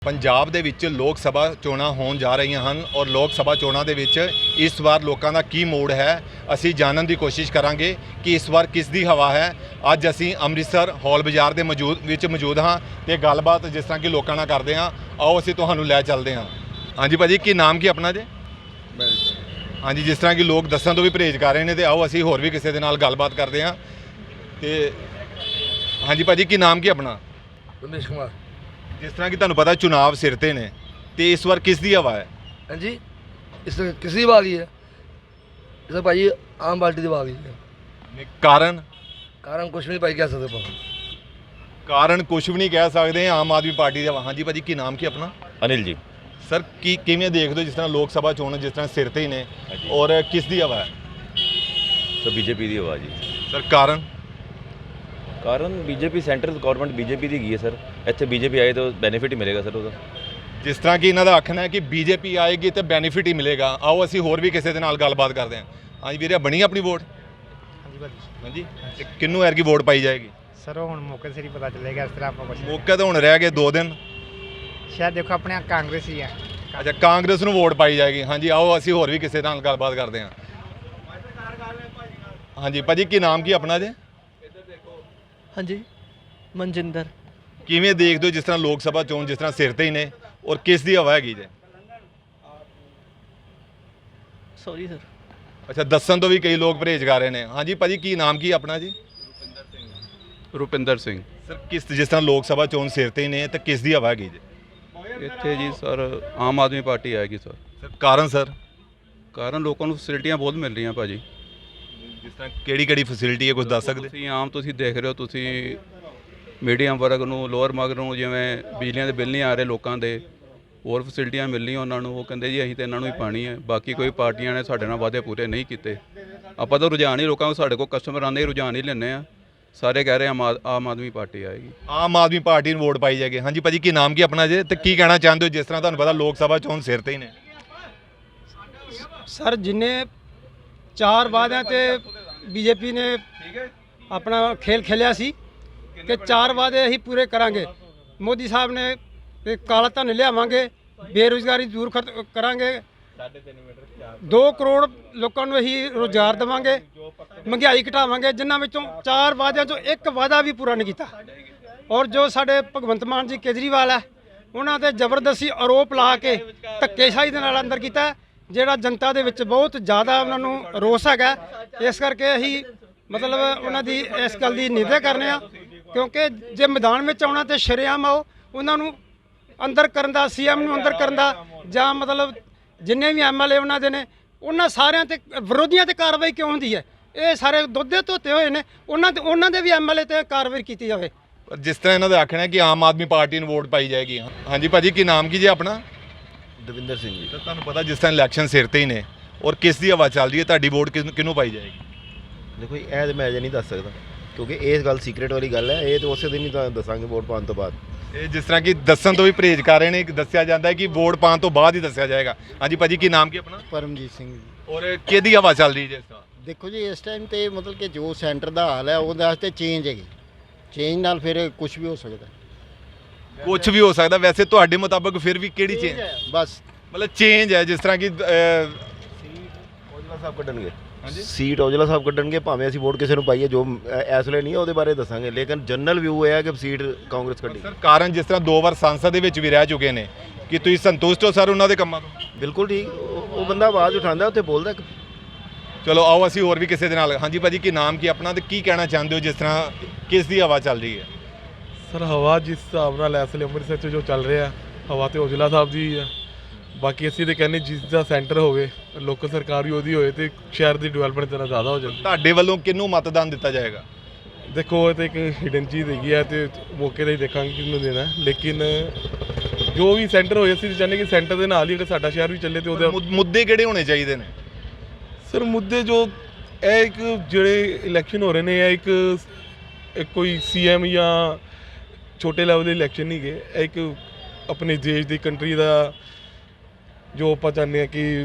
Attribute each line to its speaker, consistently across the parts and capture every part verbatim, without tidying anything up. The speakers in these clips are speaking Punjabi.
Speaker 1: ਪੰਜਾਬ ਦੇ ਵਿੱਚ ਲੋਕ ਸਭਾ ਚੋਣਾਂ ਹੋਣ ਜਾ ਰਹੀਆਂ ਹਨ ਔਰ ਲੋਕ ਸਭਾ ਚੋਣਾਂ ਦੇ ਵਿੱਚ ਇਸ ਵਾਰ ਲੋਕਾਂ ਦਾ ਕੀ ਮੋੜ ਹੈ ਅਸੀਂ ਜਾਣਨ ਦੀ ਕੋਸ਼ਿਸ਼ ਕਰਾਂਗੇ ਕਿ ਇਸ ਵਾਰ ਕਿਸ ਦੀ ਹਵਾ ਹੈ। ਅੱਜ ਅਸੀਂ ਅੰਮ੍ਰਿਤਸਰ ਹੌਲ ਬਾਜ਼ਾਰ ਦੇ ਮੌਜੂਦ ਵਿੱਚ ਮੌਜੂਦ ਹਾਂ ਤੇ ਗੱਲਬਾਤ ਜਿਸ ਤਰ੍ਹਾਂ ਕਿ ਲੋਕਾਂ ਨਾਲ ਕਰਦੇ ਹਾਂ। ਆਓ ਅਸੀਂ ਤੁਹਾਨੂੰ ਲੈ ਚੱਲਦੇ ਹਾਂ। ਹਾਂਜੀ ਭਾਜੀ, ਕੀ ਨਾਮ ਕੀ ਆਪਣਾ ਜੀ? ਹਾਂਜੀ, ਜਿਸ ਤਰ੍ਹਾਂ ਕਿ ਲੋਕ ਦੱਸਣ ਤੋਂ ਵੀ ਪਰਹੇਜ਼ ਕਰ ਰਹੇ ਨੇ ਤੇ ਆਓ ਅਸੀਂ ਹੋਰ ਵੀ ਕਿਸੇ ਦੇ ਨਾਲ ਗੱਲਬਾਤ ਕਰਦੇ ਹਾਂ। ਤੇ ਹਾਂਜੀ ਭਾਜੀ, ਕੀ ਨਾਮ ਕੀ ਆਪਣਾ?
Speaker 2: ਰਮੇਸ਼ ਕੁਮਾਰ।
Speaker 1: जिस तरह की तुहानू पता चुनाव सिर ते ने ते इस बार किस दी हवा है?
Speaker 2: हाँ जी, इस किसी वाली है इस भाई आम पार्टी की वाली है।
Speaker 1: कारण
Speaker 2: कारण कुछ भी नहीं भाई कह सकते पाओ।
Speaker 1: कारण कुछ भी नहीं कह सकते आम आदमी पार्टी का। हाँ जी भाजी, की नाम की अपना?
Speaker 3: अनिल जी।
Speaker 1: सर की किवें देखते हो जिस तरह लोक सभा चोण जिस तरह सिर ते ही ने और किस दी हवा है?
Speaker 3: सर बीजेपी की हवा जी।
Speaker 1: सर कारण
Speaker 3: कारण बीजेपी सेंट्रल गवर्नमेंट बीजेपी की है सर। इतने बीजेपी आए तो बेनीफिट ही मिलेगा सर ਉਹਦਾ।
Speaker 1: जिस तरह कि इन्हों का आखना है कि बीजेपी आएगी तो बेनीफिट ही मिलेगा। आओ असी होर भी किसी के नाल गलबात करते हैं। हाँ जी वीरे, बनी अपनी वोट? हाँ जी, किन्नू एरकी वोट पाई जाएगी?
Speaker 4: सर वो हुण मौके से ही पता चलेगा। इस तरह आपको कुछ
Speaker 1: मौके तो हुण रह गए दो दिन
Speaker 4: शायद। देखो अपने कांग्रेस ही है।
Speaker 1: अच्छा, कांग्रेस नूं वोट पाई जाएगी। हाँ जी, आओ असी होर भी किसी नाल गलबात करते हैं। हाँ जी भाजी, की नाम की अपना जे?
Speaker 5: हाँ जी, मनजिंदर।
Speaker 1: किवें देखते हो जिस तरह लोक सभा चोण जिस तरह सिर ते ही ने और किस दी हवा हैगी जे?
Speaker 5: Sorry sir.
Speaker 1: अच्छा, दसन तो भी कई लोग परहेज कर रहे हैं। हाँ जी भाजी, की नाम की अपना जी?
Speaker 6: रुपिंदर सिंह।
Speaker 1: सर किस जिस तरह लोक सभा चोण सिर ते ही ने तो किस दी हवा हैगी जे?
Speaker 6: ਇੱਥੇ ਜੀ ਸਰ ਆਮ ਆਦਮੀ ਪਾਰਟੀ ਆਏਗੀ ਸਰ।
Speaker 1: सर कारण सर?
Speaker 6: ਕਾਰਨ ਲੋਕਾਂ ਨੂੰ ਫੈਸਿਲਿਟੀਆਂ ਬਹੁਤ ਮਿਲ ਰਹੀਆਂ ਭਾਜੀ।
Speaker 1: ਜਿਸ ਤਰ੍ਹਾਂ ਕਿਹੜੀ ਕਿਹੜੀ ਫੈਸਿਲਿਟੀ ਹੈ ਕੁਝ ਦੱਸ ਸਕਦੇ?
Speaker 6: ਤੁਸੀਂ ਆਮ ਤੁਸੀਂ ਦੇਖ ਰਹੇ ਹੋ, ਤੁਸੀਂ ਮੀਡੀਅਮ ਵਰਗ ਨੂੰ ਲੋਅਰ ਵਰਗ ਨੂੰ ਜਿਵੇਂ ਬਿਜਲੀਆਂ ਦੇ ਬਿੱਲ ਨਹੀਂ ਆ ਰਹੇ ਲੋਕਾਂ ਦੇ, ਹੋਰ ਫੈਸਿਲਿਟੀਆਂ ਮਿਲ ਰਹੀਆਂ ਉਹਨਾਂ ਨੂੰ। ਉਹ ਕਹਿੰਦੇ ਜੀ ਅਸੀਂ ਤਾਂ ਇਹਨਾਂ ਨੂੰ ਹੀ ਪਾਣੀ ਹੈ। ਬਾਕੀ ਕੋਈ ਪਾਰਟੀਆਂ ਨੇ ਸਾਡੇ ਨਾਲ ਵਾਅਦੇ ਪੂਰੇ ਨਹੀਂ ਕੀਤੇ। ਆਪਾਂ ਤਾਂ ਰੁਝਾਨ ਹੀ ਲੋਕਾਂ ਨੂੰ, ਸਾਡੇ ਕੋਲ ਕਸਟਮਰ ਆਉਂਦੇ ਰੁਝਾਨ ਹੀ ਲੈਂਦੇ ਆ। ਸਾਰੇ ਕਹਿ ਰਹੇ ਆਮ ਆਮ ਆਦਮੀ ਪਾਰਟੀ ਆਏਗੀ।
Speaker 1: ਆਮ ਆਦਮੀ ਪਾਰਟੀ ਨੂੰ ਵੋਟ ਪਾਈ ਜਾਏਗੀ। ਹਾਂਜੀ ਭਾਜੀ, ਕੀ ਨਾਮ ਕੀ ਆਪਣਾ ਜੇ ਤੇ ਕੀ ਕਹਿਣਾ ਚਾਹੁੰਦੇ ਹੋ ਜਿਸ ਤਰ੍ਹਾਂ ਤੁਹਾਨੂੰ ਪਤਾ ਲੋਕ ਸਭਾ ਚੋਣ ਸਿਰ ਤੇ ਹੀ ਨੇ?
Speaker 7: ਸਰ ਜਿੰਨੇ ਚਾਰ ਵਾਅਦਿਆਂ ਤੇ ਬੀਜੇਪੀ ਨੇ ਆਪਣਾ ਖੇਲ ਖੇਲਿਆ ਸੀ ਕਿ ਚਾਰ ਵਾਅਦੇ ਅਸੀਂ ਪੂਰੇ ਕਰਾਂਗੇ। ਮੋਦੀ ਸਾਹਿਬ ਨੇ ਕਿ ਕਾਲਾ ਧਨ ਲਿਆਵਾਂਗੇ, ਬੇਰੁਜ਼ਗਾਰੀ ਦੂਰ ਖਤ ਕਰਾਂਗੇ, ਦੋ ਕਰੋੜ ਲੋਕਾਂ ਨੂੰ ਅਸੀਂ ਰੁਜ਼ਗਾਰ ਦੇਵਾਂਗੇ, ਮਹਿੰਗਾਈ ਘਟਾਵਾਂਗੇ। ਜਿਨ੍ਹਾਂ ਵਿੱਚੋਂ ਚਾਰ ਵਾਅਦਿਆਂ ਚੋਂ ਇੱਕ ਵਾਅਦਾ ਵੀ ਪੂਰਾ ਨਹੀਂ ਕੀਤਾ। ਔਰ ਜੋ ਸਾਡੇ ਭਗਵੰਤ ਮਾਨ ਜੀ ਕੇਜਰੀਵਾਲ ਹੈ, ਉਹਨਾਂ ਤੇ ਜ਼ਬਰਦਸਤੀ ਆਰੋਪ ਲਾ ਕੇ ਧੱਕੇਸ਼ਾਹੀ ਦੇ ਨਾਲ ਅੰਦਰ ਕੀਤਾ, ਜਿਹੜਾ ਜਨਤਾ ਦੇ ਵਿੱਚ ਬਹੁਤ ਜ਼ਿਆਦਾ ਉਹਨਾਂ ਨੂੰ ਰੋਸ ਹੈਗਾ। ਇਸ ਕਰਕੇ ਅਸੀਂ ਮਤਲਬ ਉਹਨਾਂ ਦੀ ਇਸ ਗੱਲ ਦੀ ਨਿੰਦਾ ਕਰਨੇ ਆ, ਕਿਉਂਕਿ ਜੇ ਮੈਦਾਨ ਵਿੱਚ ਆਉਣਾ ਤੇ ਸ਼ਰੇਆਮ ਆਓ। ਉਹਨਾਂ ਨੂੰ ਅੰਦਰ ਕਰਨ ਦਾ, ਸੀਐਮ ਨੂੰ ਅੰਦਰ ਕਰਨ ਦਾ, ਜਾਂ ਮਤਲਬ ਜਿੰਨੇ ਵੀ ਐਮਐਲਏ ਉਹਨਾਂ ਦੇ ਨੇ, ਉਹਨਾਂ ਸਾਰਿਆਂ ਤੇ ਵਿਰੋਧੀਆਂ ਤੇ ਕਾਰਵਾਈ ਕਿਉਂ ਹੁੰਦੀ ਹੈ? ਇਹ ਸਾਰੇ ਦੁੱਧੇ ਧੋਤੇ ਹੋਏ ਨੇ। ਉਹਨਾਂ ਤੇ ਉਹਨਾਂ ਦੇ ਵੀ ਐਮਐਲਏ ਤੇ ਕਾਰਵਾਈ ਕੀਤੀ ਜਾਵੇ।
Speaker 1: ਪਰ ਜਿਸ ਤਰ੍ਹਾਂ ਇਹਨਾਂ ਦਾ ਆਖਣਾ ਹੈ ਕਿ ਆਮ ਆਦਮੀ ਪਾਰਟੀ ਨੂੰ ਵੋਟ ਪਾਈ ਜਾਏਗੀ। ਹਾਂਜੀ ਭਾਜੀ, ਕੀ ਨਾਮ ਕੀ ਜੀ ਆਪਣਾ?
Speaker 3: ਦਵਿੰਦਰ ਸਿੰਘ ਜੀ।
Speaker 1: ਤਾਂ ਤੁਹਾਨੂੰ ਪਤਾ ਜਿਸ ਤਰ੍ਹਾਂ ਇਲੈਕਸ਼ਨ ਸਿਰ ਤੇ ਹੀ ਨੇ ਔਰ ਕਿਸ ਦੀ ਹਵਾ ਚੱਲ ਰਹੀ ਹੈ, ਤੁਹਾਡੀ ਵੋਟ ਕਿਸ ਕਿਹਨੂੰ ਪਾਈ ਜਾਏਗੀ?
Speaker 8: ਦੇਖੋ ਜੀ, ਇਹ ਤਾਂ ਮੈਂ ਅਜੇ ਨਹੀਂ ਦੱਸ ਸਕਦਾ ਕਿਉਂਕਿ ਇਹ ਗੱਲ ਸੀਕ੍ਰੇਟ ਵਾਲੀ ਗੱਲ ਹੈ। ਇਹ ਤਾਂ ਉਸੇ ਦਿਨ ਹੀ ਤਾਂ ਦੱਸਾਂਗੇ ਵੋਟ ਪਾਉਣ ਤੋਂ ਬਾਅਦ।
Speaker 1: ਇਹ ਜਿਸ ਤਰ੍ਹਾਂ ਕਿ ਦੱਸਣ ਤੋਂ ਵੀ ਪਰਹੇਜ਼ ਕਰ ਰਹੇ ਨੇ, ਦੱਸਿਆ ਜਾਂਦਾ ਹੈ ਕਿ ਵੋਟ ਪਾਉਣ ਤੋਂ ਬਾਅਦ ਹੀ ਦੱਸਿਆ ਜਾਏਗਾ। ਹਾਂਜੀ ਭਾਜੀ, ਕੀ ਨਾਮ ਕੀ ਆਪਣਾ?
Speaker 9: ਪਰਮਜੀਤ ਸਿੰਘ ਜੀ।
Speaker 1: ਔਰ ਕਿਹਦੀ ਹਵਾ ਚੱਲ ਰਹੀ ਹੈ ਜਿਸ ਤਰ੍ਹਾਂ?
Speaker 9: ਦੇਖੋ ਜੀ, ਇਸ ਟਾਈਮ ਤੇ ਮਤਲਬ ਕਿ ਜੋ ਸੈਂਟਰ ਦਾ ਹਾਲ ਹੈ ਉਹਦੇ ਵਾਸਤੇ ਚੇਂਜ ਹੈਗੀ। ਚੇਂਜ ਨਾਲ ਫਿਰ ਕੁਝ ਵੀ ਹੋ ਸਕਦਾ।
Speaker 1: ਕੁਝ ਵੀ ਹੋ ਸਕਦਾ। ਵੈਸੇ ਤੁਹਾਡੇ ਮੁਤਾਬਕ ਫਿਰ ਵੀ ਕਿਹੜੀ ਚੇਂਜ?
Speaker 9: ਬਸ
Speaker 1: ਮਤਲਬ ਚੇਂਜ ਹੈ ਜਿਸ ਤਰ੍ਹਾਂ ਕਿ
Speaker 8: ਔਜਲਾ ਸਾਹਿਬ ਕੱਢਣਗੇ। ਹਾਂਜੀ, ਸੀਟ ਔਜਲਾ ਸਾਹਿਬ ਕੱਢਣਗੇ। ਭਾਵੇਂ ਅਸੀਂ ਵੋਟ ਕਿਸੇ ਨੂੰ ਪਾਈਏ, ਜੋ ਇਸ ਵੇਲੇ ਨਹੀਂ ਉਹਦੇ ਬਾਰੇ ਦੱਸਾਂਗੇ, ਲੇਕਿਨ ਜਨਰਲ ਵਿਊ ਇਹ ਹੈ ਕਿ ਸੀਟ ਕਾਂਗਰਸ ਕੱਢੀ।
Speaker 1: ਸਰ ਕਾਰਨ ਜਿਸ ਤਰ੍ਹਾਂ ਦੋ ਵਾਰ ਸੰਸਦ ਦੇ ਵਿੱਚ ਵੀ ਰਹਿ ਚੁੱਕੇ ਨੇ, ਕਿ ਤੁਸੀਂ ਸੰਤੁਸ਼ਟ ਹੋ ਸਰ ਉਹਨਾਂ ਦੇ ਕੰਮਾਂ ਤੋਂ?
Speaker 8: ਬਿਲਕੁਲ ਠੀਕ। ਉਹ ਬੰਦਾ ਆਵਾਜ਼ ਉਠਾਉਂਦਾ, ਉੱਥੇ ਬੋਲਦਾ।
Speaker 1: ਚਲੋ ਆਓ ਅਸੀਂ ਹੋਰ ਵੀ ਕਿਸੇ ਦੇ ਨਾਲ। ਹਾਂਜੀ ਭਾਜੀ, ਕੀ ਨਾਮ ਕੀ ਆਪਣਾ ਤੇ ਕੀ ਕਹਿਣਾ ਚਾਹੁੰਦੇ ਹੋ ਜਿਸ ਤਰ੍ਹਾਂ ਕਿਸ ਦੀ ਹਵਾ ਚੱਲ ਰਹੀ ਹੈ?
Speaker 10: ਸਰ ਹਵਾ ਜਿਸ ਹਿਸਾਬ ਨਾਲ ਇਸ ਵੇਲੇ ਅੰਮ੍ਰਿਤਸਰ 'ਚ ਜੋ ਚੱਲ ਰਿਹਾ, ਹਵਾ ਤੇ ਔਜਲਾ ਸਾਹਿਬ ਦੀ ਹੈ। ਬਾਕੀ ਅਸੀਂ ਤਾਂ ਕਹਿੰਦੇ ਜਿਸ ਦਾ ਸੈਂਟਰ ਹੋਵੇ, ਲੋਕਲ ਸਰਕਾਰ ਵੀ ਉਹਦੀ ਹੋਏ ਤੇ ਸ਼ਹਿਰ ਦੀ ਡਿਵੈਲਪਮੈਂਟ ਤਰ੍ਹਾਂ ਜ਼ਿਆਦਾ ਹੋ ਜਾਂਦੀ।
Speaker 1: ਤੁਹਾਡੇ ਵੱਲੋਂ ਕਿਹਨੂੰ ਮਤਦਾਨ ਦਿੱਤਾ ਜਾਏਗਾ?
Speaker 10: ਦੇਖੋ ਇਹ ਤਾਂ ਇੱਕ ਹਿਡਨ ਚੀਜ਼ ਹੈਗੀ ਹੈ ਤੇ ਮੌਕੇ 'ਤੇ ਹੀ ਦੇਖਾਂਗੇ ਕਿਹਨੂੰ ਦੇਣਾ। ਲੇਕਿਨ ਜੋ ਵੀ ਸੈਂਟਰ ਹੋਏ, ਅਸੀਂ ਤਾਂ ਚਾਹੁੰਦੇ ਕਿ ਸੈਂਟਰ ਦੇ ਨਾਲ ਹੀ ਅਗਰ ਸਾਡਾ ਸ਼ਹਿਰ ਵੀ ਚੱਲੇ ਤੇ ਉਹਦੇ
Speaker 1: ਮੁੱਦੇ ਕਿਹੜੇ ਹੋਣੇ ਚਾਹੀਦੇ ਨੇ?
Speaker 10: ਸਰ ਮੁੱਦੇ ਜੋ ਇਹ ਇੱਕ ਜਿਹੜੇ ਇਲੈਕਸ਼ਨ ਹੋ ਰਹੇ ਨੇ, ਇਹ ਇੱਕ ਇੱਕ ਕੋਈ ਸੀ ਐਮ ਜਾਂ ਛੋਟੇ ਲੈਵਲ ਦੇ ਇਲੈਕਸ਼ਨ ਨਹੀਂ ਗਏ। ਇਹ ਇੱਕ ਆਪਣੇ ਦੇਸ਼ ਦੀ ਕੰਟਰੀ ਦਾ ਜੋ ਆਪਾਂ ਚਾਹੁੰਦੇ ਹਾਂ ਕਿ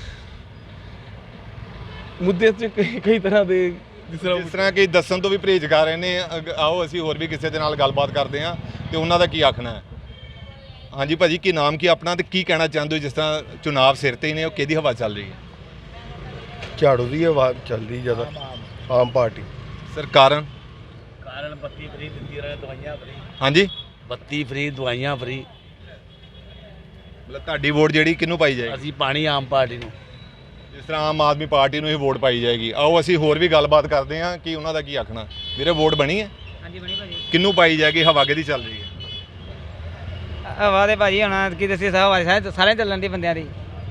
Speaker 10: ਮੁੱਦੇ 'ਚ ਕਈ ਕਈ ਤਰ੍ਹਾਂ ਦੇ ਜਿਸ ਤਰ੍ਹਾਂ
Speaker 1: ਜਿਸ ਤਰ੍ਹਾਂ ਕਿ ਦੱਸਣ ਤੋਂ ਵੀ ਪਰਹੇਜ਼ ਕਰ ਰਹੇ ਨੇ। ਆਓ ਅਸੀਂ ਹੋਰ ਵੀ ਕਿਸੇ ਦੇ ਨਾਲ ਗੱਲਬਾਤ ਕਰਦੇ ਹਾਂ ਤੇ ਉਹਨਾਂ ਦਾ ਕੀ ਆਖਣਾ ਹੈ। ਹਾਂਜੀ ਭਾਜੀ, ਕੀ ਨਾਮ ਕੀ ਆਪਣਾ ਤੇ ਕੀ ਕਹਿਣਾ ਚਾਹੁੰਦੇ ਹੋ ਜਿਸ ਤਰ੍ਹਾਂ ਚੁਣਾਵ ਸਿਰ ਤੇ ਹੀ ਨੇ, ਉਹ ਕਿਹਦੀ ਹਵਾ ਚੱਲ ਰਹੀ ਹੈ?
Speaker 8: ਝਾੜੂ ਦੀ ਆਵਾਜ਼ ਚੱਲਦੀ ਜ਼ਿਆਦਾ, ਆਮ ਪਾਰਟੀ।
Speaker 1: ਸਰ ਕਾਰਨ?
Speaker 11: ਕਾਰਨ ਬੱਤੀ ਫਰੀ ਦਿੰਦੀ ਰਹੇ, ਦਵਾਈਆਂ ਫਰੀ,
Speaker 1: ਹਾਂਜੀ,
Speaker 11: ਬੱਤੀ ਫਰੀ, ਦਵਾਈਆਂ ਫਰੀ।
Speaker 1: ਮਤਲਬ ਤੁਹਾਡੀ ਵੋਟ ਜਿਹੜੀ ਕਿਹਨੂੰ ਪਾਈ ਜਾਏਗੀ?
Speaker 11: ਅਸੀਂ ਪਾਣੀ ਆਮ ਪਾਰਟੀ ਨੂੰ।
Speaker 1: ਜਿਸ ਤਰ੍ਹਾਂ ਆਮ ਆਦਮੀ ਪਾਰਟੀ ਨੂੰ ਹੀ ਵੋਟ ਪਾਈ ਜਾਏਗੀ। ਆਓ ਅਸੀਂ ਹੋਰ ਵੀ ਗੱਲਬਾਤ ਕਰਦੇ ਹਾਂ ਕਿ ਉਹਨਾਂ ਦਾ ਕੀ ਆਖਣਾ। ਵੀਰੇ ਵੋਟ ਬਣੀ ਹੈ?
Speaker 4: ਹਾਂਜੀ ਬਣੀ ਭਾਜੀ।
Speaker 1: ਕਿਹਨੂੰ ਪਾਈ ਜਾਏਗੀ? ਹਵਾ ਕਿਹਦੀ ਚੱਲ ਰਹੀ ਹੈ?
Speaker 4: ਹਵਾ ਦੇ ਭਾਜੀ ਹੁਣ ਕੀ ਦੱਸੀ ਸਭ ਸਾਰੇ ਸਾਰੇ ਚੱਲਣ ਦੀ ਬੰਦਿਆਂ ਦੀ।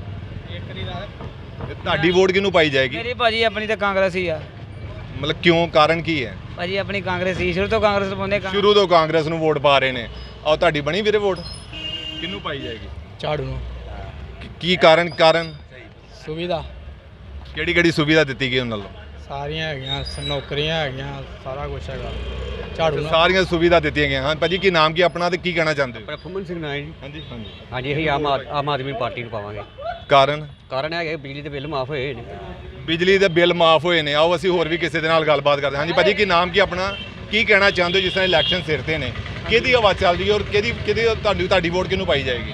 Speaker 1: ਤੇ ਤੁਹਾਡੀ ਵੋਟ ਕਿਹਨੂੰ ਪਾਈ ਜਾਏਗੀ?
Speaker 4: ਮੇਰੀ ਭਾਜੀ ਆਪਣੀ ਤਾਂ ਕਾਂਗਰਸ ਹੀ ਆ
Speaker 1: ਮਤਲਬ ਕਿਉਂ, ਕਾਰਨ ਕੀ ਹੈ?
Speaker 4: ਭਾਜੀ, ਆਪਣੀ ਕਾਂਗਰਸ ਹੀ ਸ਼ੁਰੂ ਤੋਂ ਕਾਂਗਰਸ ਨੂੰ ਪਾਉਂਦੇ।
Speaker 1: ਸ਼ੁਰੂ ਤੋਂ ਕਾਂਗਰਸ ਨੂੰ ਵੋਟ ਪਾ ਰਹੇ ਨੇ। ਆਓ ਤੁਹਾਡੀ ਬਣੀ ਵੀਰੇ ਵੋਟ? ਕਿਹਨੂੰ ਪਾਈ ਜਾਏਗੀ?
Speaker 7: ਝਾੜੂ ਨੂੰ।
Speaker 1: ਕੀ- ਕੀ ਕਾਰਨ? ਕਾਰਨ
Speaker 7: ਸੁਵਿਧਾ
Speaker 1: ਕਿਹੜੀ ਕਿਹੜੀ ਸੁਵਿਧਾ ਦਿੱਤੀ ਗਈ ਉਹਨਾਂ ਵੱਲੋਂ?
Speaker 7: ਸਾਰੀਆਂ ਹੈਗੀਆਂ, ਨੌਕਰੀਆਂ ਹੈਗੀਆਂ, ਸਾਰਾ ਕੁਝ ਹੈਗਾ ਝਾੜੂ ਨਾਲ।
Speaker 1: ਸਾਰੀਆਂ ਸੁਵਿਧਾ ਦਿੱਤੀਆਂ ਗਈਆਂ। ਹਾਂ ਭਾਜੀ, ਕੀ ਨਾਮ ਕੀ ਆਪਣਾ ਤੇ ਕੀ ਕਹਿਣਾ ਚਾਹੁੰਦੇ ਹੋ?
Speaker 12: ਪ੍ਰਫੁੱਲਨ ਸਿੰਘ ਨਾਇਕ ਜੀ।
Speaker 1: ਹਾਂਜੀ ਹਾਂਜੀ।
Speaker 12: ਹਾਂਜੀ, ਅਸੀਂ ਆਮ ਆਦ- ਆਮ ਆਦਮੀ ਪਾਰਟੀ ਨੂੰ ਪਾਵਾਂਗੇ।
Speaker 1: ਕਾਰਨ?
Speaker 12: ਕਾਰਨ ਹੈ ਕਿ ਬਿਜਲੀ ਦੇ ਬਿੱਲ ਮਾਫ ਹੋਏ ਨੇ।
Speaker 1: ਬਿਜਲੀ ਦੇ ਬਿੱਲ ਮਾਫ ਹੋਏ ਨੇ। ਆਓ ਅਸੀਂ ਹੋਰ ਵੀ ਕਿਸੇ ਦੇ ਨਾਲ ਗੱਲਬਾਤ ਕਰਦੇ ਹਾਂ। ਹਾਂਜੀ ਭਾਜੀ, ਕੀ ਨਾਮ ਕੀ ਆਪਣਾ, ਕੀ ਕਹਿਣਾ ਚਾਹੁੰਦੇ ਹੋ ਜਿਸ ਤਰ੍ਹਾਂ ਇਲੈਕਸ਼ਨ ਸਿਰ ਤੇ ਨੇ, ਕਿਹਦੀ ਆਵਾਜ਼ ਚੱਲ ਰਹੀ ਹੈ ਔਰ ਕਿਹਦੀ ਕਿਹਦੀ ਤੁਹਾਡੀ ਤੁਹਾਡੀ ਵੋਟ ਕਿਹਨੂੰ ਪਾਈ ਜਾਏਗੀ?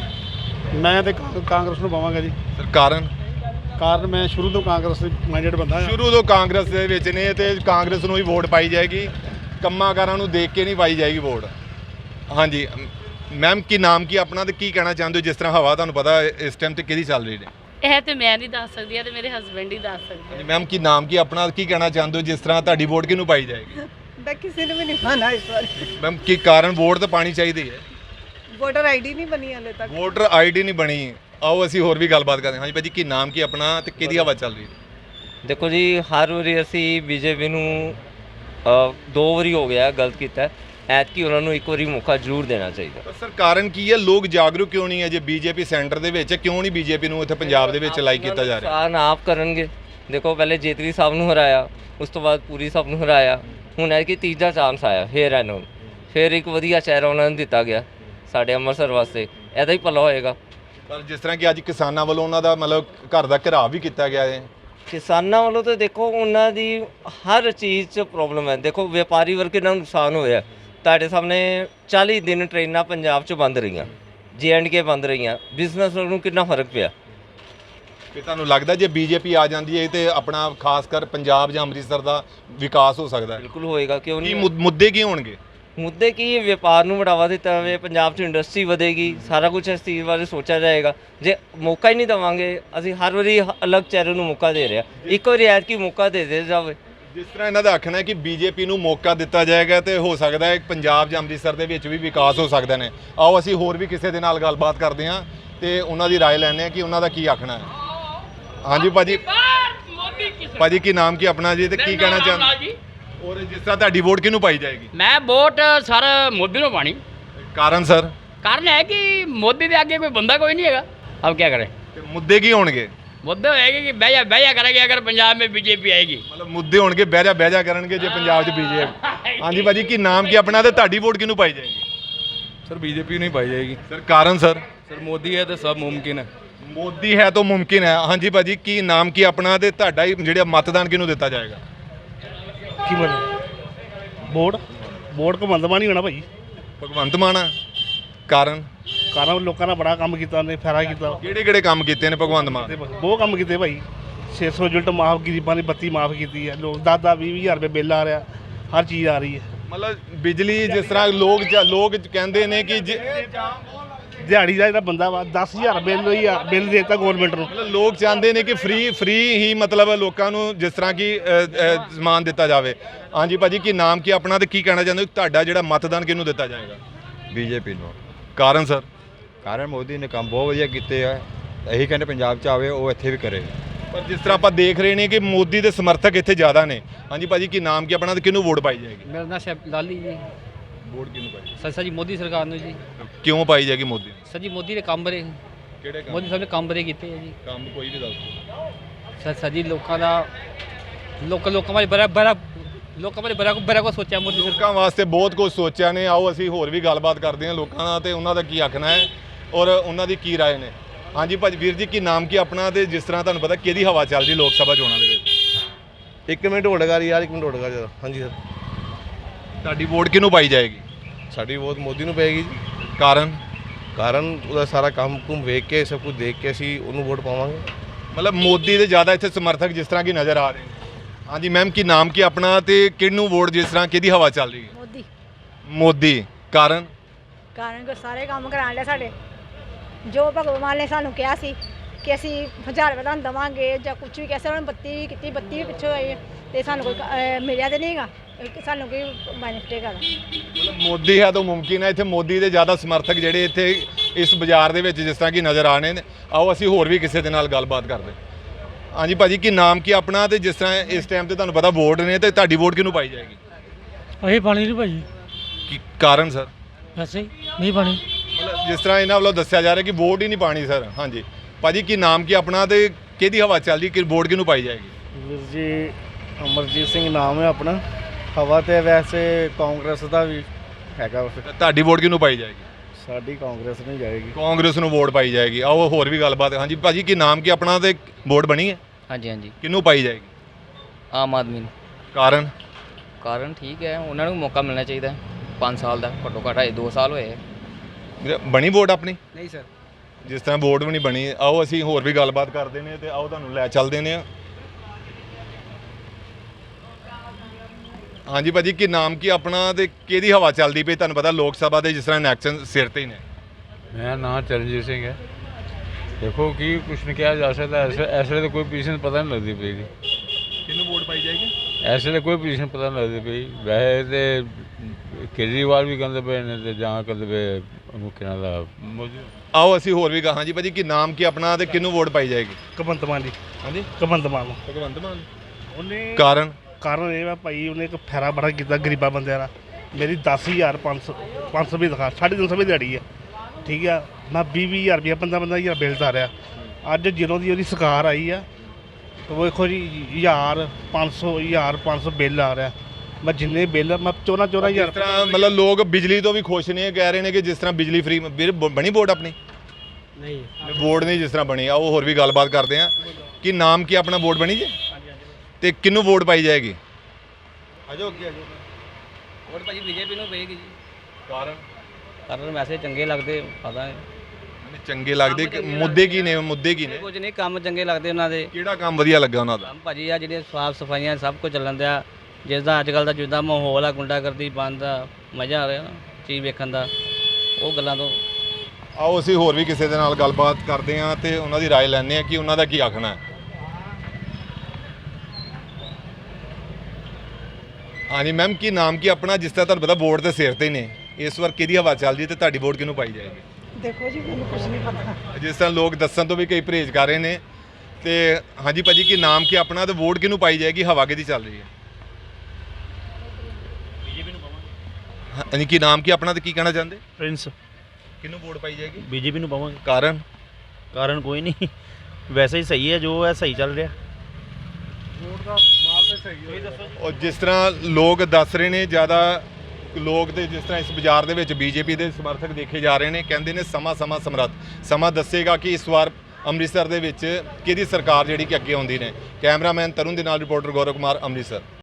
Speaker 7: ਮੈਂ ਤੇ ਕਾਂਗਰਸ ਨੂੰ ਪਾਵਾਂਗਾ ਜੀ।
Speaker 1: ਸਰ ਕਾਰਨ?
Speaker 7: ਕਾਰਨ ਮੈਂ ਸ਼ੁਰੂ ਤੋਂ ਕਾਂਗਰਸ ਮਾਈਂਡਡ ਬੰਦਾ ਹਾਂ।
Speaker 1: ਸ਼ੁਰੂ ਤੋਂ ਕਾਂਗਰਸ ਦੇ ਵਿੱਚ ਨੇ ਤੇ ਕਾਂਗਰਸ ਨੂੰ ਹੀ ਵੋਟ ਪਾਈ ਜਾਏਗੀ। ਕੰਮਾਂਕਾਰਾਂ ਨੂੰ ਦੇਖ ਕੇ ਨਹੀਂ ਪਾਈ ਜਾਏਗੀ ਵੋਟ। ਹਾਂਜੀ ਮੈਮ, ਕੀ ਨਾਮ ਕੀ ਆਪਣਾ ਤੇ ਕੀ ਕਹਿਣਾ ਚਾਹੁੰਦੇ ਹੋ ਜਿਸ ਤਰ੍ਹਾਂ ਹਵਾ ਤੁਹਾਨੂੰ ਪਤਾ ਇਸ ਟਾਈਮ ਤੇ ਕਿਹਦੀ ਚੱਲ ਰਹੀ ਨੇ?
Speaker 13: ਇਹ ਤੇ ਮੈਂ ਨਹੀਂ ਦੱਸ ਸਕਦੀ, ਇਹ ਤੇ ਮੇਰੇ ਹਸਬੰਡ ਹੀ ਦੱਸ ਸਕਦੇ।
Speaker 1: ਮੈਮ, ਕੀ ਨਾਮ ਕੀ ਆਪਣਾ, ਕੀ ਕਹਿਣਾ ਚਾਹੁੰਦੇ ਹੋ ਜਿਸ ਤਰ੍ਹਾਂ ਤੁਹਾਡੀ ਵੋਟ ਕਿਹਨੂੰ ਪਾਈ ਜਾਏਗੀ?
Speaker 5: ਮੈਂ ਕਿਸੇ ਨੂੰ ਵੀ ਨਹੀਂ ਪਾਣਾ ਇਸ ਵਾਰ।
Speaker 1: ਮੈਮ, ਕੀ ਕਾਰਨ? ਵੋਟ ਤਾਂ ਪਾਣੀ ਚਾਹੀਦੀ ਹੈ।
Speaker 5: ਵੋਟਰ ਆਈਡੀ ਨਹੀਂ ਬਣੀ ਹਲੇ ਤੱਕ।
Speaker 1: ਵੋਟਰ ਆਈਡੀ ਨਹੀਂ ਬਣੀ। ਆਓ ਅਸੀਂ ਹੋਰ ਵੀ ਗੱਲਬਾਤ ਕਰਦੇ ਹਾਂ। ਹਾਂਜੀ ਭਾਜੀ, ਕੀ ਨਾਮ ਕੀ ਆਪਣਾ ਤੇ ਕਿਹਦੀ ਹਵਾ ਚੱਲ ਰਹੀ ਹੈ?
Speaker 3: ਦੇਖੋ ਜੀ, ਹਰ ਵਾਰੀ ਅਸੀਂ ਬੀਜੇਪੀ ਨੂੰ ਅ, ਦੋ ਵਾਰੀ ਹੋ ਗਿਆ ਗਲਤ ਕੀਤਾ, ਐਤਕੀ ਉਹਨਾਂ ਨੂੰ ਇੱਕ ਵਾਰੀ ਮੌਕਾ ਜ਼ਰੂਰ ਦੇਣਾ ਚਾਹੀਦਾ।
Speaker 1: ਪਰ ਸਰ ਕਾਰਨ ਕੀ ਹੈ? ਲੋਕ ਜਾਗਰੂਕ ਕਿਉਂ ਨਹੀਂ ਹੈ? ਜੇ ਬੀਜੇਪੀ ਸੈਂਟਰ ਦੇ ਵਿੱਚ ਕਿਉਂ ਨਹੀਂ ਬੀਜੇਪੀ ਨੂੰ ਇੱਥੇ ਪੰਜਾਬ ਦੇ ਵਿੱਚ ਲਾਈਕ ਕੀਤਾ ਜਾ ਰਿਹਾ?
Speaker 3: ਨੁਕਸਾਨ ਆਪ ਕਰਨਗੇ। ਦੇਖੋ, ਪਹਿਲੇ ਜੇਤਲੀ ਸਾਹਿਬ ਨੂੰ ਹਰਾਇਆ, ਉਸ ਤੋਂ ਬਾਅਦ ਪੂਰੀ ਸਾਹਿਬ ਨੂੰ ਹਰਾਇਆ, ਹੁਣ ਐਤਕੀ ਤੀਜਾ ਚਾਂਸ ਆਇਆ ਫੇਰ ਇਹਨਾਂ ਨੂੰ, ਫਿਰ ਇੱਕ ਵਧੀਆ ਚਿਹਰਾ ਉਹਨਾਂ ਨੂੰ ਦਿੱਤਾ ਗਿਆ ਸਾਡੇ ਅੰਮ੍ਰਿਤਸਰ ਵਾਸਤੇ, ਇਹਦਾ ਹੀ ਭਲਾ ਹੋਏਗਾ।
Speaker 1: ਪਰ ਜਿਸ ਤਰ੍ਹਾਂ ਕਿ ਅੱਜ ਕਿਸਾਨਾਂ ਵੱਲੋਂ ਉਹਨਾਂ ਦਾ ਮਤਲਬ ਘਰ ਦਾ ਘਿਰਾਅ ਵੀ ਕੀਤਾ ਗਿਆ ਹੈ।
Speaker 3: ਕਿਸਾਨਾਂ ਵੱਲੋਂ ਤਾਂ ਦੇਖੋ ਉਹਨਾਂ ਦੀ ਹਰ ਚੀਜ਼ 'ਚ ਪ੍ਰੋਬਲਮ ਹੈ। ਦੇਖੋ, ਵਪਾਰੀ ਵਰਗ ਕਿੰਨਾ ਨੁਕਸਾਨ ਹੋਇਆ। ਤੁਹਾਡੇ ਸਾਹਮਣੇ ਚਾਲੀ ਦਿਨ ਟ੍ਰੇਨਾਂ ਪੰਜਾਬ 'ਚ ਬੰਦ ਰਹੀਆਂ, ਜੇ ਐਂਡ ਕੇ ਬੰਦ ਰਹੀਆਂ, ਬਿਜ਼ਨਸ ਨੂੰ ਕਿੰਨਾ ਫਰਕ ਪਿਆ।
Speaker 1: ਕਿ ਤੁਹਾਨੂੰ ਲੱਗਦਾ ਜੇ ਬੀਜੇਪੀ ਆ ਜਾਂਦੀ ਹੈ ਤੇ ਆਪਣਾ ਖਾਸ ਕਰ ਪੰਜਾਬ ਜਾਂ ਅੰਮ੍ਰਿਤਸਰ ਦਾ ਵਿਕਾਸ ਹੋ ਸਕਦਾ ਹੈ?
Speaker 3: ਬਿਲਕੁਲ ਹੋਏਗਾ, ਕਿਉਂ
Speaker 1: ਕੀ
Speaker 3: ਨਹੀਂ।
Speaker 1: ਮੁ- ਮੁੱਦੇ ਕੀ ਹੋਣਗੇ?
Speaker 3: ਮੁੱਦੇ ਕੀ, ਵਪਾਰ ਨੂੰ ਬੜਾਵਾ ਦਿੱਤਾ ਜਾਵੇ, ਪੰਜਾਬ 'ਚ ਇੰਡਸਟਰੀ ਵਧੇਗੀ, ਸਾਰਾ ਕੁਝ ਇਸ ਚੀਜ਼ ਬਾਰੇ ਸੋਚਿਆ ਜਾਏਗਾ। ਜੇ ਮੌਕਾ ਹੀ ਨਹੀਂ ਦੇਵਾਂਗੇ, ਅਸੀਂ ਹਰ ਵਾਰੀ ਅਲੱਗ ਚਿਹਰੇ ਨੂੰ ਮੌਕਾ ਦੇ ਰਹੇ ਹਾਂ, ਇੱਕ ਵਾਰੀ ਐਤਕੀ ਮੌਕਾ ਦੇ ਦੇ ਜਾਵੇ।
Speaker 1: ਜਿਸ ਤਰ੍ਹਾਂ ਇਹਨਾਂ ਦਾ ਆਖਣਾ ਹੈ ਕਿ ਬੀਜੇਪੀ ਨੂੰ ਮੌਕਾ ਦਿੱਤਾ ਜਾਏਗਾ ਤੇ ਹੋ ਸਕਦਾ ਹੈ ਪੰਜਾਬ ਜਾਂ ਅੰਮ੍ਰਿਤਸਰ ਦੇ ਵਿੱਚ ਵੀ ਵਿਕਾਸ ਹੋ ਸਕਦਾ ਨੇ। ਆਓ ਅਸੀਂ ਹੋਰ ਵੀ ਕਿਸੇ ਦੇ ਨਾਲ ਗੱਲਬਾਤ ਕਰਦੇ ਹਾਂ ਤੇ ਉਹਨਾਂ ਦੀ رائے ਲੈਂਦੇ ਹਾਂ ਕਿ ਉਹਨਾਂ ਦਾ ਕੀ ਆਖਣਾ ਹੈ। ਹਾਂਜੀ ਭਾਜੀ, ਭਾਜੀ ਕੀ ਨਾਮ ਕੀ ਆਪਣਾ ਜੀ ਤੇ ਕੀ ਕਹਿਣਾ ਚਾਹੁੰਦੇ? ਔਰ ਜਿਸ ਤਰ੍ਹਾਂ ਤੁਹਾਡੀ ਵੋਟ ਕਿਹਨੂੰ ਪਾਈ ਜਾਏਗੀ?
Speaker 11: ਮੈਂ ਵੋਟ ਸਰ ਮੋਦੀ ਨੂੰ ਪਾਣੀ।
Speaker 1: ਕਾਰਨ ਸਰ?
Speaker 11: ਕਾਰਨ ਹੈ ਕਿ ਮੋਦੀ ਦੇ ਅੱਗੇ ਕੋਈ ਬੰਦਾ ਕੋਈ ਨਹੀਂ ਹੈਗਾ। अब क्या करें?
Speaker 1: ਤੇ ਮੁੱਦੇ ਕੀ ਹੋਣਗੇ?
Speaker 11: मुद्दे होएगा कि बहजा बहजा करेंगे अगर पंजाब में बीजेपी आएगी।
Speaker 1: ਮਤਲਬ ਮੁੱਦੇ ਹੋਣਗੇ ਬਹਿ ਜਾ ਬਹਿ ਜਾ ਕਰਨਗੇ ਜੇ ਪੰਜਾਬ 'ਚ ਬੀਜੇਪੀ। ਹਾਂਜੀ ਭਾਜੀ, ਕੀ ਨਾਮ ਕੀ ਆਪਣਾ ਤੇ ਤੁਹਾਡੀ ਵੋਟ ਕਿਹਨੂੰ ਪਾਈ ਜਾਏਗੀ?
Speaker 6: ਸਰ ਬੀਜੇਪੀ ਨੂੰ ਹੀ ਪਾਈ ਜਾਏਗੀ।
Speaker 1: ਸਰ ਕਾਰਨ ਸਰ?
Speaker 6: ਸਰ ਮੋਦੀ ਹੈ ਤਾਂ ਸਭ ਮੁਮਕਿਨ ਹੈ।
Speaker 1: ਮੋਦੀ ਹੈ ਤਾਂ ਮੁਮਕਿਨ ਹੈ। ਹਾਂਜੀ ਭਾਜੀ, ਕੀ ਨਾਮ ਕੀ ਆਪਣਾ ਤੇ ਤੁਹਾਡਾ ਹੀ ਜਿਹੜਾ ਮਤਦਾਨ ਕਿਹਨੂੰ ਦਿੱਤਾ ਜਾਏਗਾ?
Speaker 7: ਕੀ ਮਤਲਬ ਵੋਟ ਵੋਟ ਭਗਵੰਤ ਮਾਨ ਹੀ ਹੋਣਾ ਭਾਈ।
Speaker 1: ਭਗਵੰਤ ਮਾਨ। ਕਾਰਨ?
Speaker 7: ਕਾਰਨ ਲੋਕਾਂ ਦਾ ਬੜਾ ਕੰਮ ਕੀਤਾ ਉਹਨੇ, ਫੈਰਾ ਕੀਤਾ।
Speaker 1: ਕਿਹੜੇ ਕਿਹੜੇ ਕੰਮ ਕੀਤੇ ਨੇ ਭਗਵੰਤ ਮਾਨ?
Speaker 7: ਬਹੁਤ ਕੰਮ ਕੀਤੇ ਭਾਈ। ਛੇ ਸੌ ਯੂਨਿਟ ਮਾਫ, ਗਰੀਬਾਂ ਦੀ ਬੱਤੀ ਮਾਫ ਕੀਤੀ ਹੈ। ਲੋਕ ਦਸ ਦਸ ਵੀਹ ਵੀਹ ਹਜ਼ਾਰ ਰੁਪਏ ਬਿੱਲ ਆ ਰਿਹਾ, ਹਰ ਚੀਜ਼ ਆ ਰਹੀ ਹੈ।
Speaker 1: ਮਤਲਬ ਬਿਜਲੀ ਜਿਸ ਤਰ੍ਹਾਂ ਲੋਕ ਜਾਂ ਲੋਕ ਕਹਿੰਦੇ ਨੇ ਕਿ ਜੇ-
Speaker 7: ਦਿਹਾੜੀ ਦਾ ਜਿਹੜਾ ਬੰਦਾ ਵਾ ਦਸ ਹਜ਼ਾਰ ਬਿੱਲ ਹੀ ਆ, ਬਿੱਲ ਦੇ ਦਿੱਤਾ ਗੌਰਮੈਂਟ ਨੂੰ।
Speaker 1: ਮਤਲਬ ਲੋਕ ਚਾਹੁੰਦੇ ਨੇ ਕਿ ਫ੍ਰੀ ਫ੍ਰੀ ਹੀ ਮਤਲਬ ਲੋਕਾਂ ਨੂੰ ਜਿਸ ਤਰ੍ਹਾਂ ਕਿ ਅ, ਅ, ਸਮਾਨ ਦਿੱਤਾ ਜਾਵੇ। ਹਾਂਜੀ ਭਾਜੀ, ਕੀ ਨਾਮ ਕੀ ਆਪਣਾ ਤੇ ਕੀ ਕਹਿਣਾ ਚਾਹੁੰਦੇ ਹੋ? ਤੁਹਾਡਾ ਜਿਹੜਾ ਮਤਦਾਨ ਕਿਹਨੂੰ ਦਿੱਤਾ ਜਾਏਗਾ?
Speaker 14: ਬੀਜੇਪੀ ਨੂੰ।
Speaker 1: ਕਾਰਨ ਸਰ?
Speaker 14: ਕਾਰਨ ਮੋਦੀ ਨੇ ਕੰਮ ਬਹੁਤ ਵਧੀਆ ਕੀਤੇ ਆ। ਇਹੀ ਕਹਿੰਦੇ ਪੰਜਾਬ 'ਚ ਆਵੇ, ਉਹ ਇੱਥੇ ਵੀ ਕਰੇ।
Speaker 1: ਪਰ ਜਿਸ ਤਰ੍ਹਾਂ ਆਪਾਂ ਦੇਖ ਰਹੇ ਨੇ ਕਿ ਮੋਦੀ ਦੇ ਸਮਰਥਕ ਇੱਥੇ ਜ਼ਿਆਦਾ ਨੇ। ਹਾਂਜੀ ਭਾਜੀ, ਕੀ ਨਾਮ ਕੀ ਆਪਣਾ ਤੇ ਕਿਹਨੂੰ ਵੋਟ ਪਾਈ ਜਾਏਗੀ?
Speaker 12: ਮੇਰਾ ਨਾਮ ਸ਼ੈਬ ਲਾਲੀ ਜੀ।
Speaker 1: ਵੋਟ ਕਿਹਨੂੰ ਪਾਈ?
Speaker 12: ਸਰ ਸਰ ਜੀ ਮੋਦੀ ਸਰਕਾਰ ਨੂੰ ਜੀ।
Speaker 1: ਕਿਉਂ ਪਾਈ ਜਾਏਗੀ ਮੋਦੀ?
Speaker 12: ਸਰ ਜੀ ਮੋਦੀ ਦੇ ਕੰਮ ਬਰੇ,
Speaker 1: ਕਿਹੜੇ ਕੰਮ?
Speaker 12: ਮੋਦੀ ਸਾਹਿਬ ਨੇ ਕੰਮ ਬਰੇ ਕੀਤੇ ਆ ਜੀ।
Speaker 1: ਕੰਮ ਕੋਈ ਵੀ ਦੱਸ ਦਿਓ।
Speaker 12: ਸਰ ਸਰ ਜੀ ਲੋਕਾਂ ਦਾ ਲੋਕ ਲੋਕਾਂ ਬਾਰੇ ਬੜਾ ਬੜਾ ਲੋਕਾਂ ਬਾਰੇ ਬੜਾ ਬੜਾ ਕੁਛ ਸੋਚਿਆ ਮੋਦੀ ਸਰਕਾਰ।
Speaker 1: ਲੋਕਾਂ ਵਾਸਤੇ ਬਹੁਤ ਕੁਝ ਸੋਚਿਆ ਨੇ। ਆਓ ਅਸੀਂ ਹੋਰ ਵੀ ਗੱਲਬਾਤ ਕਰਦੇ ਹਾਂ ਲੋਕਾਂ ਨਾਲ ਤੇ ਉਹਨਾਂ ਦਾ ਕੀ ਆਖਣਾ ਹੈ ਔਰ ਉਹਨਾਂ ਦੀ ਕੀ ਰਾਏ ਨੇ। ਹਾਂਜੀ ਭਾਜੀ, ਵੀਰ ਜੀ ਕੀ ਨਾਮ ਕੀ ਆਪਣਾ ਤੇ ਜਿਸ ਤਰ੍ਹਾਂ ਤੁਹਾਨੂੰ ਪਤਾ ਕਿਹਦੀ ਹਵਾ ਚੱਲ ਰਹੀ ਲੋਕ ਸਭਾ ਚੋਣਾਂ ਦੇ ਵਿੱਚ?
Speaker 8: ਇੱਕ ਮਿੰਟ ਹੋਲਡ ਕਰ ਯਾਰ, ਇੱਕ ਮਿੰਟ ਹੋਲਡ ਕਰ ਜਰਾ। ਹਾਂਜੀ ਸਰ,
Speaker 1: ਤੁਹਾਡੀ ਵੋਟ ਕਿਹਨੂੰ ਪਾਈ ਜਾਏਗੀ?
Speaker 8: ਸਾਡੀ ਵੋਟ ਮੋਦੀ ਨੂੰ ਪਏਗੀ ਜੀ।
Speaker 1: ਕਾਰਨ?
Speaker 15: ਕਾਰਨ ਉਹਦਾ ਸਾਰਾ ਕੰਮ ਕੁਮ ਵੇਖ ਕੇ ਸਭ ਕੁਝ ਦੇਖ ਕੇ ਅਸੀਂ ਉਹਨੂੰ ਵੋਟ ਪਾਵਾਂਗੇ।
Speaker 1: ਮਤਲਬ ਮੋਦੀ ਦੇ ਜ਼ਿਆਦਾ ਇੱਥੇ ਸਮਰਥਕ ਜਿਸ ਤਰ੍ਹਾਂ ਕਿ ਨਜ਼ਰ ਆ ਰਹੇ ਨੇ। ਹਾਂਜੀ ਮੈਮ, ਕੀ ਨਾਮ ਕੀ ਆਪਣਾ ਤੇ ਕਿਹਨੂੰ ਵੋਟ ਜਿਸ ਤਰ੍ਹਾਂ ਕਿਹਦੀ ਹਵਾ ਚੱਲ ਰਹੀ ਹੈ?
Speaker 5: ਮੋਦੀ
Speaker 1: ਮੋਦੀ। ਕਾਰਨ?
Speaker 5: ਕਾਰਨ ਕੋ ਸਾਰੇ ਕੰਮ ਕਰਾਣ ਲਿਆ ਸਾਡੇ, ਜੋ ਭਗਵਾਨ ਨੇ ਸਾਨੂੰ ਕਿਹਾ ਸੀ ਕਿ ਅਸੀਂ ਹਜ਼ਾਰ ਰੁਪਏ ਤੁਹਾਨੂੰ ਦੇਵਾਂਗੇ ਜਾਂ ਕੁਝ ਵੀ ਕਿਸੇ ਉਹਨਾਂ ਨੇ ਬੱਤੀ ਵੀ ਕੀਤੀ, ਬੱਤੀ ਵੀ ਪਿੱਛੋਂ ਆਈ ਤੇ ਸਾਨੂੰ ਕੋਈ ਅਹ, ਮਿਲਿਆ ਤੇ ਨਹੀਂਗਾ, ਸਾਨੂੰ ਕੋਈ ਬੈਨੀਫਿਟ ਹੈਗਾ।
Speaker 1: ਮਤਲਬ ਮੋਦੀ ਹੈ ਤਾਂ ਮੁਮਕਿਨ ਹੈ ਇੱਥੇ ਮੋਦੀ ਦੇ ਜ਼ਿਆਦਾ ਸਮਰਥਕ ਜਿਹੜੇ ਇੱਥੇ ਇਸ ਬਾਜ਼ਾਰ ਦੇ ਵਿੱਚ ਜਿਸ ਤਰ੍ਹਾਂ ਕਿ ਨਜ਼ਰ ਆਣੇ ਨੇ। ਆਓ ਅਸੀਂ ਹੋਰ ਵੀ ਕਿਸੇ ਦੇ ਨਾਲ ਗੱਲਬਾਤ ਕਰਦੇ। ਹਾਂਜੀ ਭਾਜੀ, ਕੀ ਨਾਮ ਕੀ ਆਪਣਾ ਤੇ ਜਿਸ ਤਰ੍ਹਾਂ ਇਸ ਟਾਈਮ ਤੇ ਤੁਹਾਨੂੰ ਪਤਾ ਵੋਟ ਨੇ ਤੇ ਤੁਹਾਡੀ ਵੋਟ ਕਿਹਨੂੰ ਪਾਈ ਜਾਏਗੀ?
Speaker 7: ਅਸੀਂ ਪਾਣੀ ਨਹੀਂ ਭਾਜੀ,
Speaker 1: ਕੀ ਕਾਰਨ ਸਰ?
Speaker 7: ਵੈਸੇ ਨਹੀਂ ਪਾਣੀ।
Speaker 1: ਮਤਲਬ ਜਿਸ ਤਰ੍ਹਾਂ ਇਹਨਾਂ ਵੱਲੋਂ ਦੱਸਿਆ ਜਾ ਰਿਹਾ ਕਿ ਵੋਟ ਹੀ ਨਹੀਂ ਪਾਣੀ ਸਰ। ਹਾਂਜੀ ਭਾਜੀ, ਕੀ ਨਾਮ ਕੀ ਆਪਣਾ ਤੇ ਕਿਹਦੀ ਹਵਾ ਚੱਲਦੀ, ਕਿ ਵੋਟ ਕਿਹਨੂੰ ਪਾਈ ਜਾਏਗੀ?
Speaker 16: ਵੀਰ ਜੀ ਅਮਰਜੀਤ ਸਿੰਘ ਨਾਮ ਹੈ ਆਪਣਾ। ਹਵਾ ਤੇ ਵੈਸੇ ਕਾਂਗਰਸ ਦਾ ਵੀ ਹੈਗਾ।
Speaker 1: ਤੁਹਾਡੀ ਵੋਟ ਕਿਹਨੂੰ ਪਾਈ ਜਾਏਗੀ?
Speaker 16: ਸਾਡੀ ਕਾਂਗਰਸ ਨੂੰ ਜਾਏਗੀ।
Speaker 1: ਕਾਂਗਰਸ ਨੂੰ ਵੋਟ ਪਾਈ ਜਾਏਗੀ। ਆਓ ਹੋਰ ਵੀ ਗੱਲਬਾਤ। ਹਾਂਜੀ ਭਾਜੀ, ਕੀ ਨਾਮ ਕੀ ਆਪਣਾ ਤੇ ਵੋਟ ਬਣੀ ਹੈ?
Speaker 4: ਹਾਂਜੀ ਹਾਂਜੀ
Speaker 1: ਕਿਹਨੂੰ ਪਾਈ ਜਾਏਗੀ?
Speaker 4: ਆਮ ਆਦਮੀ ਨੂੰ।
Speaker 1: ਕਾਰਨ?
Speaker 4: ਕਾਰਨ ਠੀਕ ਹੈ, ਉਹਨਾਂ ਨੂੰ ਮੌਕਾ ਮਿਲਣਾ ਚਾਹੀਦਾ। ਪੰਜ ਸਾਲ ਦਾ ਘੱਟੋ ਘੱਟ ਅਜੇ ਦੋ ਸਾਲ ਹੋਏ।
Speaker 1: ਬਣੀ ਵੋਟ ਆਪਣੀ?
Speaker 4: ਨਹੀਂ ਸਰ।
Speaker 1: ਜਿਸ ਤਰ੍ਹਾਂ ਵੋਟ ਵੀ ਨਹੀਂ ਬਣੀ, ਆਓ ਅਸੀਂ ਹੋਰ ਵੀ ਗੱਲਬਾਤ ਕਰਦੇ ਨੇ ਤੇ ਆਓ ਤੁਹਾਨੂੰ ਲੈ ਚੱਲਦੇ ਨੇ। ਹਾਂਜੀ ਭਾਜੀ, ਕੀ ਨਾਮ ਕੀ ਆਪਣਾ ਤੇ ਕਿਹਦੀ ਹਵਾ ਚੱਲਦੀ ਪਈ? ਤੁਹਾਨੂੰ ਪਤਾ ਲੋਕ ਸਭਾ ਦੇ ਜਿਸ ਤਰ੍ਹਾਂ ਇਲੈਕਸ਼ਨ ਸਿਰ ਤੇ ਹੀ ਨੇ।
Speaker 6: ਮੇਰਾ ਨਾਮ ਚਰਨਜੀਤ ਸਿੰਘ ਹੈ। ਦੇਖੋ ਕੀ ਕੁਛ ਨਹੀਂ ਕਿਹਾ ਜਾ ਸਕਦਾ। ਇਸ ਇਸ ਵੇਲੇ ਕੋਈ ਪੋਜੀਸ਼ਨ ਪਤਾ ਨਹੀਂ ਲੱਗਦੀ ਪਈ।
Speaker 1: ਕਿਹਨੂੰ ਵੋਟ ਪਾਈ ਜਾਏਗੀ?
Speaker 6: ਇਸ ਵੇਲੇ ਕੋਈ ਪੋਜੀਸ਼ਨ ਪਤਾ ਨਹੀਂ ਲੱਗਦੀ ਪਈ। ਵੈਸੇ ਤੇ ਕੇਜਰੀਵਾਲ ਵੀ ਕਹਿੰਦੇ ਪਏ ਨੇ ਤੇ ਜਾਂ ਕਹਿੰਦੇ ਪਏ ਮੁੱਖ ਨਾਲ ਦਾ ਮੋਦੀ।
Speaker 1: ਆਓ ਅਸੀਂ ਹੋਰ ਵੀ ਹਾਂਜੀ ਭਾਜੀ, ਕੀ ਨਾਮ ਕੀ ਆਪਣਾ ਤੇ ਕਿਹਨੂੰ ਵੋਟ ਪਾਈ ਜਾਏਗੀ?
Speaker 16: ਭਗਵੰਤ ਮਾਨ ਜੀ।
Speaker 1: ਹਾਂਜੀ
Speaker 16: ਭਗਵੰਤ ਮਾਨ।
Speaker 1: ਭਗਵੰਤ ਮਾਨ।
Speaker 16: ਉਹਨੇ
Speaker 1: ਕਾਰਨ?
Speaker 16: ਕਾਰਨ ਇਹ ਵਾ ਭਾਈ, ਉਹਨੇ ਇੱਕ ਫੈਰਾ ਬੜਾ ਕੀਤਾ ਗਰੀਬਾਂ ਬੰਦਿਆਂ ਦਾ। ਮੇਰੀ ਦਸ ਹਜ਼ਾਰ ਪੰਜ ਸੌ ਪੰਜ ਸੌ ਵੀ ਦਿਖਾ, ਸਾਢੇ ਤਿੰਨ ਸੌ ਵੀ ਦਿਹਾੜੀ ਹੈ, ਠੀਕ ਆ। ਮੈਂ ਵੀਹ ਵੀਹ ਹਜ਼ਾਰ ਰੁਪਇਆ ਪੰਦਰਾਂ ਪੰਦਰਾਂ ਹਜ਼ਾਰ ਬਿੱਲ ਤਾਰਿਆ। ਅੱਜ ਜਦੋਂ ਦੀ ਉਹਦੀ ਸਰਕਾਰ ਆਈ ਆ ਤਾਂ ਵੇਖੋ ਜੀ ਹਜ਼ਾਰ ਪੰਜ ਸੌ ਹਜ਼ਾਰ ਪੰਜ ਸੌ ਬਿੱਲ ਆ ਰਿਹਾ। ਮੈਂ ਜਿੰਨੇ ਬਿੱਲ ਮੈਂ ਚੌਦਾਂ ਚੌਦਾਂ ਹਜ਼ਾਰ।
Speaker 1: ਜਿਸ ਤਰ੍ਹਾਂ ਮਤਲਬ ਲੋਕ ਬਿਜਲੀ ਤੋਂ ਵੀ ਖੁਸ਼ ਨੇ, ਕਹਿ ਰਹੇ ਨੇ ਕਿ ਜਿਸ ਤਰ੍ਹਾਂ ਬਿਜਲੀ ਫ੍ਰੀ ਬਣੀ ਵੋਟ ਆਪਣੀ?
Speaker 16: ਨਹੀਂ
Speaker 1: ਵੋਟ ਨਹੀਂ ਜਿਸ ਤਰ੍ਹਾਂ ਬਣੀ। ਆਓ ਹੋਰ ਵੀ ਗੱਲਬਾਤ ਕਰਦੇ ਹਾਂ। ਕੀ ਨਾਮ ਕੀ ਆਪਣਾ ਵੋਟ ਬਣੀ ਜੀ? ਤੇ ਕਿਹਨੂੰ ਵੋਟ ਪਾਈ ਜਾਏਗੀ? ਆਜੋ ਅੱਗੇ ਆਜੋ।
Speaker 4: ਵੋਟ ਭਾਜੀ ਬੀਜੇਪੀ ਨੂੰ ਪਏਗੀ ਜੀ।
Speaker 1: ਕਾਰਨ?
Speaker 4: ਕਾਰਨ ਵੈਸੇ ਚੰਗੇ ਲੱਗਦੇ, ਪਤਾ ਹੈ
Speaker 1: ਚੰਗੇ ਲੱਗਦੇ। ਮੁੱਦੇ ਕੀ ਨੇ? ਮੁੱਦੇ ਕੀ ਨੇ?
Speaker 4: ਕੁਝ ਨਹੀਂ, ਕੰਮ ਚੰਗੇ ਲੱਗਦੇ ਉਹਨਾਂ ਦੇ।
Speaker 1: ਕਿਹੜਾ ਕੰਮ ਵਧੀਆ ਲੱਗਾ ਉਹਨਾਂ ਦਾ?
Speaker 4: ਕੰਮ ਭਾਜੀ ਆ ਜਿਹੜੇ ਸਾਫ ਸਫਾਈਆਂ ਸਭ ਕੁਝ ਚੱਲਣ ਦਿਆ। ਜਿਸ ਦਾ ਅੱਜ ਕੱਲ੍ਹ ਦਾ ਜਿੱਦਾਂ ਮਾਹੌਲ ਆ ਗੁੰਡਾਗਰਦੀ ਬੰਦ ਆ, ਮਜ਼ਾ ਆ ਰਿਹਾ ਨਾ ਚੀਜ਼ ਵੇਖਣ ਦਾ, ਉਹ ਗੱਲਾਂ ਤੋਂ।
Speaker 1: ਆਓ ਅਸੀਂ ਹੋਰ ਵੀ ਕਿਸੇ ਦੇ ਨਾਲ ਗੱਲਬਾਤ ਕਰਦੇ ਹਾਂ ਤੇ ਉਹਨਾਂ ਦੀ رائے ਲੈਂਦੇ ਹਾਂ ਕਿ ਉਹਨਾਂ ਦਾ ਕੀ ਆਖਣਾ ਹੈ। ਹਾਂਜੀ ਮੈਮ, ਕੀ ਨਾਮ ਕੀ ਆਪਣਾ? ਜਿਸ ਤਰ੍ਹਾਂ ਤੁਹਾਨੂੰ ਪਤਾ ਵੋਟ ਦੇ ਸਿਰ ਤੇ ਹੀ ਨੇ, ਇਸ ਵਾਰ ਕਿਹਦੀ ਹਵਾ ਚੱਲਦੀ ਤੇ ਤੁਹਾਡੀ ਵੋਟ ਕਿਹਨੂੰ ਪਾਈ ਜਾਏਗੀ?
Speaker 5: ਦੇਖੋ ਜੀ, ਮੈਨੂੰ ਕੁਝ ਨਹੀਂ ਪਤਾ।
Speaker 1: ਜਿਸ ਤਰ੍ਹਾਂ ਲੋਕ ਦੱਸਣ ਤੋਂ ਵੀ ਕਈ ਪਰਹੇਜ਼ ਕਰ ਰਹੇ ਨੇ ਤੇ ਹਾਂਜੀ ਭਾਜੀ, ਕੀ ਨਾਮ ਕੀ ਆਪਣਾ ਤੇ ਵੋਟ ਕਿਹਨੂੰ ਪਾਈ ਜਾਏਗੀ? ਹਵਾ ਕਿਹਦੀ ਚੱਲ ਰਹੀ ਹੈ? ਬੀਜੇਪੀ ਨੂੰ ਪਾਵਾਂਗੇ। ਹਾਂਜੀ, ਕੀ ਨਾਮ ਕੀ ਆਪਣਾ ਤੇ ਕੀ ਕਹਿਣਾ ਚਾਹੁੰਦੇ?
Speaker 17: ਪ੍ਰਿੰਸ।
Speaker 1: ਕਿਹਨੂੰ ਵੋਟ ਪਾਈ ਜਾਏਗੀ?
Speaker 17: ਬੀਜੇਪੀ ਨੂੰ ਪਾਵਾਂਗੇ।
Speaker 1: ਕਾਰਨ?
Speaker 17: ਕਾਰਨ ਕੋਈ ਨਹੀਂ, ਵੈਸੇ ਹੀ ਸਹੀ ਹੈ, ਜੋ ਹੈ ਸਹੀ ਚੱਲ ਰਿਹਾ।
Speaker 10: ਵੋਟ ਦਾ ਮਾਲ ਤੇ ਸਹੀ ਹੈ।
Speaker 1: ਔਰ ਜਿਸ ਤਰ੍ਹਾਂ ਲੋਕ ਦੱਸ ਰਹੇ ਨੇ, ਜ਼ਿਆਦਾ ਲੋਕ ਤੇ ਜਿਸ ਤਰ੍ਹਾਂ ਇਸ ਬਾਜ਼ਾਰ ਦੇ ਵਿੱਚ ਬੀਜੇਪੀ ਦੇ ਸਮਰਥਕ ਦੇਖੇ ਜਾ ਰਹੇ ਨੇ, ਕਹਿੰਦੇ ਨੇ ਸਮਾਂ ਸਮਾਂ ਸਮਰੱਥ ਸਮਾਂ ਦੱਸੇਗਾ ਕਿ ਇਸ ਵਾਰ ਅੰਮ੍ਰਿਤਸਰ ਦੇ ਵਿੱਚ ਕਿਹਦੀ ਸਰਕਾਰ ਜਿਹੜੀ ਕਿ ਅੱਗੇ ਆਉਂਦੀ ਨੇ। ਕੈਮਰਾਮੈਨ ਤਰੁਣ ਦੇ ਨਾਲ ਰਿਪੋਰਟਰ ਗੌਰਵ ਕੁਮਾਰ, ਅੰਮ੍ਰਿਤਸਰ।